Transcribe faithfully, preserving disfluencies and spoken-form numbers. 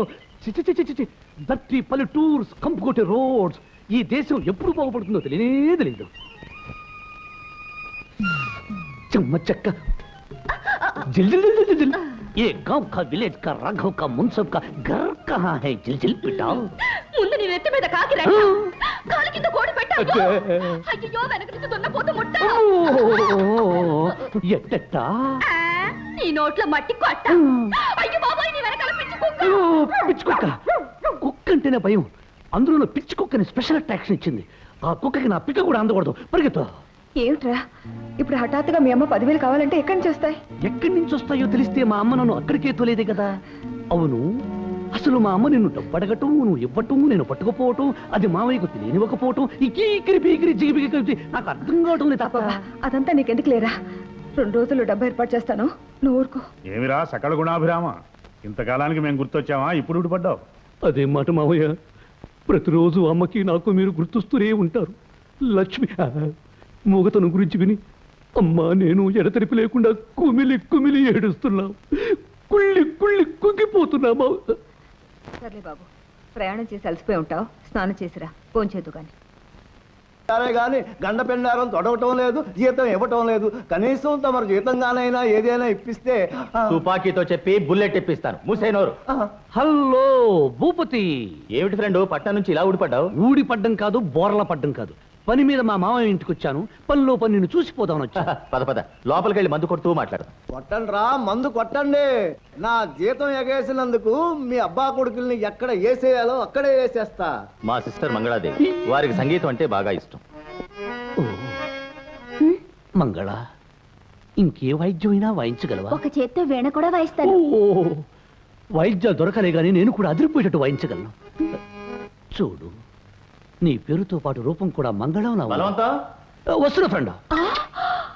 చిచి చిచి చిచి దట్టి పల్లెటూర్స్ కంపుకొట్టే రోడ్స్ ఈ దేశం ఎప్పుడు బాగుపడుతుందో తెలియనే తెలియదు. చెమ్మ చెక్క जिल जिल जिल जिल जिल ये गांव का विलेज का राघव का मुंसब का घर कहाँ है जिल जिल पिटाओ ముందు నీ నెత్తి మీద కాకి రెట్ట కాలి కింద కోడి పెట్టావు అయ్యో వెనక నుంచి దున్నపోతు ముట్ట ఎట్టట నీ నోట్లో మట్టి కొట్ట అయ్యో బాబాయ్ నీ వెనకాల పిచ్చి కుక్క పిచ్చి కుక్క కుక్క అంటేనే భయం అందులో పిచ్చి కుక్కని స్పెషల్ అట్రాక్షన్ ఇచ్చింది ఆ కుక్కకి నా పిక్క కూడా అందకూడదు పరిగెత్తు ఏమిట్రా ఇప్పుడు హఠాత్తుగా మీ అమ్మ పదివేలు కావాలంటే ఎక్కడి నుంచి వస్తాయి? ఎక్కడి నుంచి వస్తాయో తెలిస్తే మా అమ్మ నన్ను అక్కడికే తోలేదే కదా. అవును అసలు మా అమ్మ నిన్ను డబ్బు అడగటం నువ్వు ఇవ్వటం నేను పట్టుకుపోవటం అది మావయ్యకు తెలియనివ్వకపోవటం ఈ కీకిరి పీకిరి జిగిపిగి కలిసి నాకు అర్థం కావటం లేదు తాత. అదంతా నీకెందుకు లేరా, రెండు రోజులు డబ్బు ఏర్పాటు చేస్తాను నువ్వు ఊరుకో. ఏమిరా సకల గుణాభిరామ, ఇంతకాలానికి మేము గుర్తొచ్చామా ఇప్పుడు ఊడిపడ్డావు? అదే మాట మావయ్య, ప్రతిరోజు అమ్మకి నాకు మీరు గుర్తొస్తూనే ఉంటారు. లక్ష్మి మూగతను గురించి విని అమ్మా నేను ఎడతెరిపి లేకుండా కుమిలి కుమిలి ఏడుస్తున్నాం, కుళ్ళి కుళ్ళి కుంగిపోతున్నామా. సర్లే బాబు, ప్రయాణం చేసి అలసిపోయి ఉంటావు, స్నానం చేసిరా భోంచేద్దు కానీ. సరే గాని గండ పెండారం తొడవటం లేదు, జీతం ఇవ్వటం లేదు. కనీసం తమరు జీతంగానైనా ఏదైనా ఇప్పిస్తే. తుపాకీతో చెప్పి బుల్లెట్ ఇప్పిస్తాను, మూసేనోరు. హలో భూపతి. ఏమిటి ఫ్రెండ్ పట్నం నుంచి ఇలా ఊడిపడ్డావు? ఊడి పడ్డం కాదు, బోర్ల పడ్డం కాదు, పని మీద మా మామయ్య ఇంటికి వచ్చాను, పనిలో పని నిన్ను చూసిపోదామని వచ్చా. పద పద లోపలికి వెళ్ళి మందు కొడుతూ మాట్లాడు. కొట్టండి రా, మందు కొట్టండి. నా జీతం ఎగేసినందుకు మీ అబ్బా కొడుకుల్ని ఎక్కడ వేసేయాలో అక్కడే వేసేస్తా. మా సిస్టర్ మంగళాదేవి, వారికి సంగీతం అంటే బాగా ఇష్టం. మంగళ, ఇంకే వాయిద్యమైనా వాయించగలవా? ఒక చేత్తో వీణ కూడా వాయిస్తాను. వాయిద్యాలు దొరకలే గానీ నేను కూడా అదిరిపోయేటట్టు వాయించగలను. చూడు, నీ పేరుతో పాటు రూపం కూడా మంగళం. బలవంతం వస్తున్నా ఫ్రెండ్.